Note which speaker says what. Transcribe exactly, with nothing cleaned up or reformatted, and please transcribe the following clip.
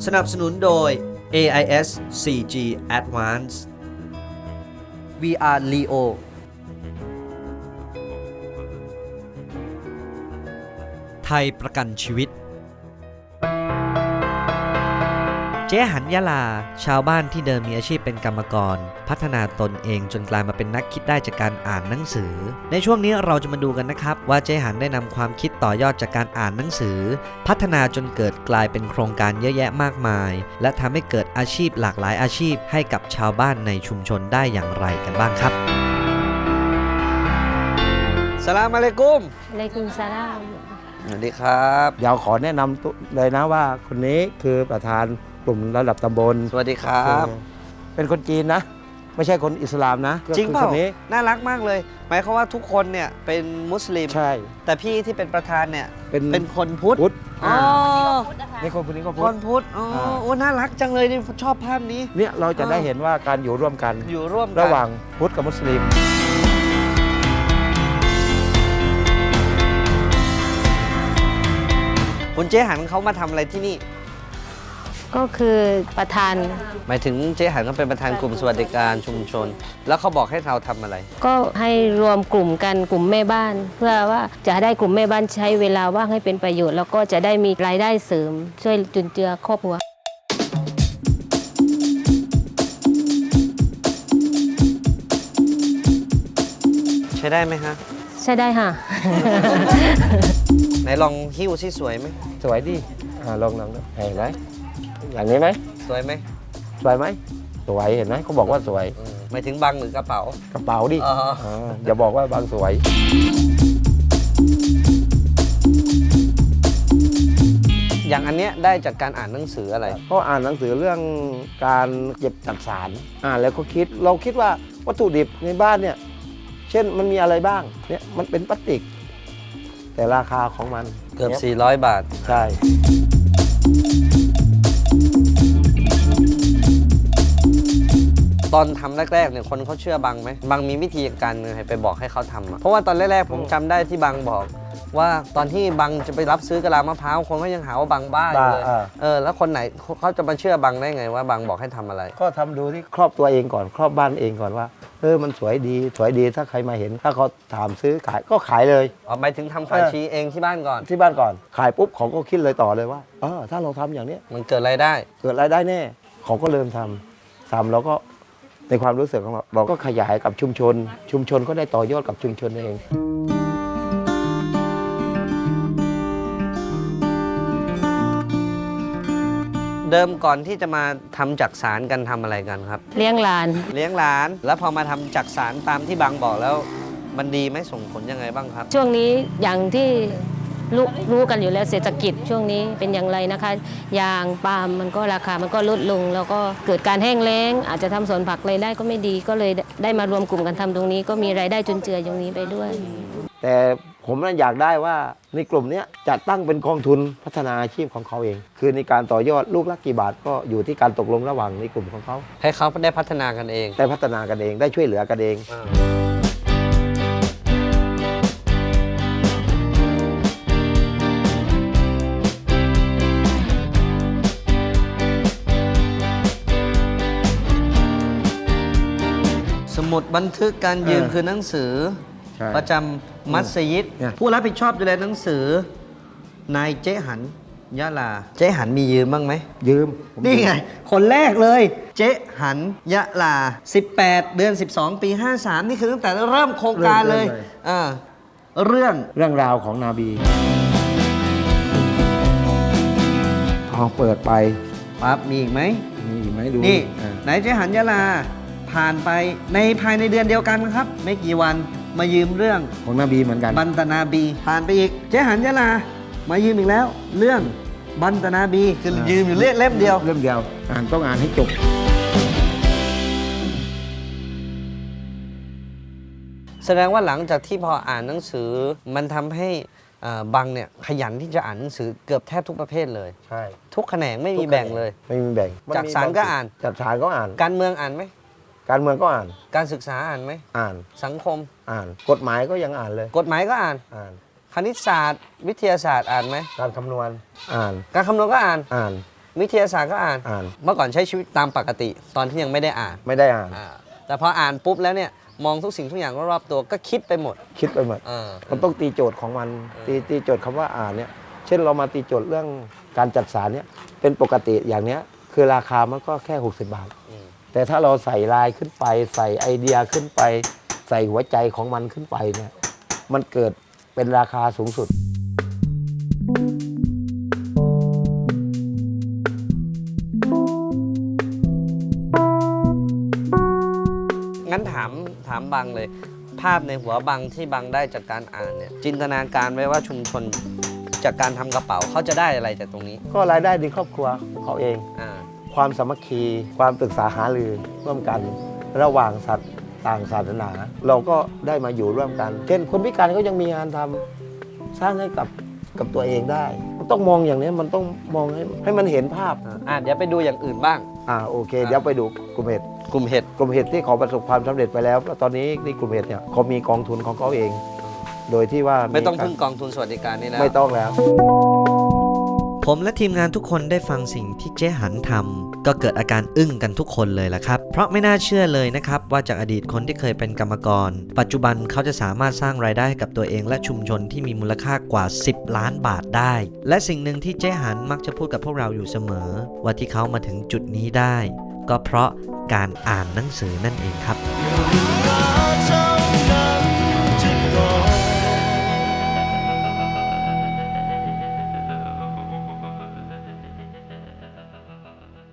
Speaker 1: สนับสนุนโดย เอ ไอ เอส โฟร์ จี Advanced วี อาร์ Leo ไทยประกันชีวิตเจ๊หันยะลาชาวบ้านที่เดิมมีอาชีพเป็นกรรมกรพัฒนาตนเองจนกลายมาเป็นนักคิดได้จากการอ่านหนังสือในช่วงนี้เราจะมาดูกันนะครับว่าเจ๊หันได้นำความคิดต่อยอดจากการอ่านหนังสือพัฒนาจนเกิดกลายเป็นโครงการเยอะแยะมากมายและทำให้เกิดอาชีพหลากหลายอาชีพให้กับชาวบ้านในชุมชนได้อย่างไรกันบ้างครับสลามอะลัยกุม
Speaker 2: อะลัยกุมสลาม
Speaker 1: สวัสดีครับ
Speaker 3: เดี๋ยวขอแนะนำเลยนะว่าคนนี้คือประธานกลุ่มระดับตำบล
Speaker 1: สวัสดีครับ
Speaker 3: เป็นคนจีนนะไม่ใช่คนอิสลามนะ
Speaker 1: จริงเปล่า
Speaker 3: คนนี้
Speaker 1: น่ารักมากเลยหมายความว่าทุกคนเนี่ยเป็นมุสลิม
Speaker 3: ใช่
Speaker 1: แต่พี่ที่เป็นประธานเนี่ย
Speaker 3: เป็น
Speaker 1: เป็นคนพุทธ
Speaker 3: อ๋อ
Speaker 1: นี่
Speaker 3: คนคนนี้ก็พุทธ
Speaker 1: คนพุทธอ๋อโอ้น่ารักจังเลยนี่ชอบภาพนี้
Speaker 3: เนี่ยเราจะได้เห็นว่าการอยู่ร่วมกัน
Speaker 1: อยู่ร่วมกัน
Speaker 3: ระหว่างพุทธกับมุสลิม
Speaker 1: คุณเจ๊หันเขามาทำอะไรที่นี่
Speaker 2: ก็คือประธาน
Speaker 1: หมายถึงเจ๊หันเขาเป็นประธานกลุ่มสวัสดิการชุมชนแล้วเขาบอกให้เราทำอะไร
Speaker 2: ก็ให้รวมกลุ่มกันกลุ่มแม่บ้านเพื่อว่าจะได้กลุ่มแม่บ้านใช้เวลาว่างให้เป็นประโยชน์แล้วก็จะได้มีรายได้เสริมช่วยจุนเจือครอบครัว
Speaker 1: ใช้ได้ไหมฮะ
Speaker 2: ใช้ได้ค่ะ
Speaker 1: ไหนลองหิ้วซิสวยไหม
Speaker 3: สวยดิอ่าลองลองเห็นไหมอย่างนี้ไหม
Speaker 1: สวยไหม
Speaker 3: สวยไหมสวยเห็นไหมเขาบอกว่าสวย
Speaker 1: หมายถึงบังหรือกระเป๋าก
Speaker 3: ระเป๋าดิอย่าบอกว่าบังสวย
Speaker 1: อย่างอันเนี้ยได้จากการอ่านหนังสืออะไร
Speaker 3: ก็อ่านหนังสือเรื่องการเก็บจักสารอ่านแล้วก็คิดเราคิดว่าวัตถุดิบในบ้านเนี่ยเช่นมันมีอะไรบ้างเนี่ยมันเป็นพลาสติกแต่ราคาของมัน
Speaker 1: เกือบสี่ร้อยบาท
Speaker 3: ใช่
Speaker 1: ตอนทำแรกๆเนี่ยคนเขาเชื่อบังไหมบังมีวิธีการให้ไปบอกให้เขาทำเพราะว่าตอนแรกๆผมจำได้ที่บังบอกว่าตอนที่บังจะไปรับซื้อกะลามะพร้าวคนก็ยังหาว่าบังบ้าอยู่เลยเออแล้วคนไหนเขาจะมาเชื่อบังได้ไงว่าบังบอกให้ทำอะไร
Speaker 3: ก็ทำดูที่ครอบตัวเองก่อนครอบบ้านเองก่อนว่าเออมันสวยดีสวยดีถ้าใครมาเห็นถ้าเขาถามซื้อขายก็ขายเลย
Speaker 1: อ๋อหมายถึงทำฝาชีเองที่บ้านก่อน
Speaker 3: ที่บ้านก่อนขายปุ๊บเขาก็คิดเลยต่อเลยว่าเออถ้าเราทำอย่างนี้
Speaker 1: มันเกิดรายได้
Speaker 3: เกิดรายได้แน่เขาก็เริ่มทำทำแล้วก็ในความรู้สึกของเราเราก็ขยายกับชุมชนชุมชนก็ได้ต่อยอดกับชุมชนเอง
Speaker 1: เดิมก่อนที่จะมาทำจักสารกันทำอะไรกันครับ
Speaker 2: เลี้ยงหลาน
Speaker 1: เลี้ยงหลานแล้วพอมาทำจักสารตามที่บังบอกแล้วมันดีไหมส่งผลยังไงบ้างครับ
Speaker 2: ช่วงนี้อย่างที่รู้รู้กันอยู่แล้วเศรษฐกิจช่วงนี้เป็นอย่างไรนะคะยางปาล์มมันก็ราคามันก็ลดลงแล้วก็เกิดการแห้งแล้งอาจจะทำสวนผักรายได้ก็ไม่ดีก็เลยได้มารวมกลุ่มกันทำตรงนี้ก็มีรายได้จุนเจือตรงนี้ไปด้วย
Speaker 3: แต่ผมนั้นอยากได้ว่าในกลุ่มนี้จะตั้งเป็นกองทุนพัฒนาอาชีพของเขาเองคือในการต่อยอดลูกละกี่บาทก็อยู่ที่การตกลงระหว่างในกลุ่มของเขา
Speaker 1: ให้เขาได้พัฒนากันเอง
Speaker 3: ได้พัฒนากันเองได้ช่วยเหลือกันเอง
Speaker 1: สมุดบันทึกการยืมคือหนังสือประจำมัสยิดผู้รับผิดชอบดูแลหนังสือนายเจ๊หันยะลาเจ๊หันมียืมบ้างไหม
Speaker 3: ยืม
Speaker 1: นี่ไงคนแรกเลยเจ๊หันยะลาสิบแปดเดือนสิบสองปีห้าสามนี่คือตั้งแต่เริ่มโครงการเลยอ่าเรื่อง
Speaker 3: เรื่องราวของนบีพอเปิดไป
Speaker 1: ปั๊บมีอีกไหม
Speaker 3: มีอีกไหมดู
Speaker 1: นี่ไหนเจ๊หันยะลาผ่านไปในภายในเดือนเดียวกันครับไม่กี่วันมายืมเรื่อง
Speaker 3: ของนบีเหมือนกัน
Speaker 1: บันตนาบีผ่านไปอีกเจ๊หันยะลามายืมอีกแล้วเรื่องบันตนาบีคือยืมอยู่เล่มเดียว
Speaker 3: เล่มเดียวอ่านต้องอ่านให้จบ
Speaker 1: แสดงว่าหลังจากที่พออ่านหนังสือมันทำให้บังเนี่ยขยันที่จะอ่านหนังสือเกือบแทบทุกประเภทเลย
Speaker 3: ใช่
Speaker 1: ทุกแขนงไม่มีแบ่งเลย
Speaker 3: ไม่มีแบ่ง
Speaker 1: จักสารก็อ่าน
Speaker 3: จักสารก็อ่าน
Speaker 1: การเมืองอ่านไหม
Speaker 3: การเมืองก็อ่าน
Speaker 1: การศึกษาอ่านไหม
Speaker 3: อ่าน
Speaker 1: สังคม
Speaker 3: อ่านกฎหมายก็ยังอ่านเลย
Speaker 1: กฎหมายก็อ่าน
Speaker 3: อ่าน
Speaker 1: คณิตศาสตร์วิทยาศาสตร์อ่านไหม
Speaker 3: การคำนวณอ่าน
Speaker 1: การคำนวณก็อ่าน
Speaker 3: อ่าน
Speaker 1: วิทยาศาสตร์ก็อ่าน
Speaker 3: อ่าน
Speaker 1: เมื่อก่อนใช้ชีวิตตามปกติตอนที่ยังไม่ได้อ่าน
Speaker 3: ไม่ได้อ่าน
Speaker 1: อ่าแต่พออ่านปุ๊บแล้วเนี่ยมองทุกสิ่งทุกอย่างรอบๆตัวก็คิดไปหมด
Speaker 3: คิดไปหมด
Speaker 1: เออ
Speaker 3: มันต้องตีโจทย์ของมันตีตีโจทย์คำว่าอ่านเนี่ยเช่นเรามาตีโจทย์เรื่องการจัดสารเนี่ยเป็นปกติอย่างเนี้ยคือราคามันก็แค่หกสิบบาท
Speaker 1: อืม
Speaker 3: แต่ถ้าเราใส่ลายขึ้นไปใส่ไอเดียขึ้นไป ใส่หัวใจของมันขึ้นไปเนี่ยมันเกิดเป็นราคาสูงสุด
Speaker 1: งั้นถามถามบังเลย ภาพในหัวบังที่บังได้จากการอ่านเนี่ยจินตนาการไว้ว่าชุมชนจากการทำกระเป๋าเขาจะได้อะไรจากตรงนี้
Speaker 3: ก็รายได้ในครอบครัวของเขาเอง
Speaker 1: อ่า
Speaker 3: ความสามัคคี ความปรึกษาหารือร่วมกัน ระหว่างสัตว์ต่างศาสนา เราก็ได้มาอยู่ร่วมกัน เช่นคนพิการก็ยังมีงานทำสร้างให้กับกับตัวเองได้ มันต้องมองอย่างนี้มันต้องมองให้ให้มันเห็นภาพ
Speaker 1: อ่าเดี๋ยวไปดูอย่างอื่นบ้าง
Speaker 3: อ่าโอเค
Speaker 1: อ่า
Speaker 3: เดี๋ยวไปดูกลุ่มเห็ด
Speaker 1: กลุ่มเห็ด
Speaker 3: กลุ่มเห็ดที่เขาประสบความสำเร็จไปแล้วแล้วตอนนี้ในกลุ่มเห็ดเนี่ยเขามีกองทุนของเขาเอง โดยที่ว่า
Speaker 1: ไม่ต้องพึ่งกองทุนสวัสดิการนี่แล้ว
Speaker 3: ไม่ต้องแล้ว
Speaker 1: ผมและทีมงานทุกคนได้ฟังสิ่งที่เจ๊หันทำก็เกิดอาการอึ้งกันทุกคนเลยล่ะครับเพราะไม่น่าเชื่อเลยนะครับว่าจากอดีตคนที่เคยเป็นกรรมกร ปัจจุบันเขาจะสามารถสร้างรายได้ให้กับตัวเองและชุมชนที่มีมูลค่ากว่าสิบล้านบาทได้และสิ่งหนึ่งที่เจ๊หันมักจะพูดกับพวกเราอยู่เสมอว่าที่เขามาถึงจุดนี้ได้ก็เพราะการอ่านหนังสือนั่นเองครับ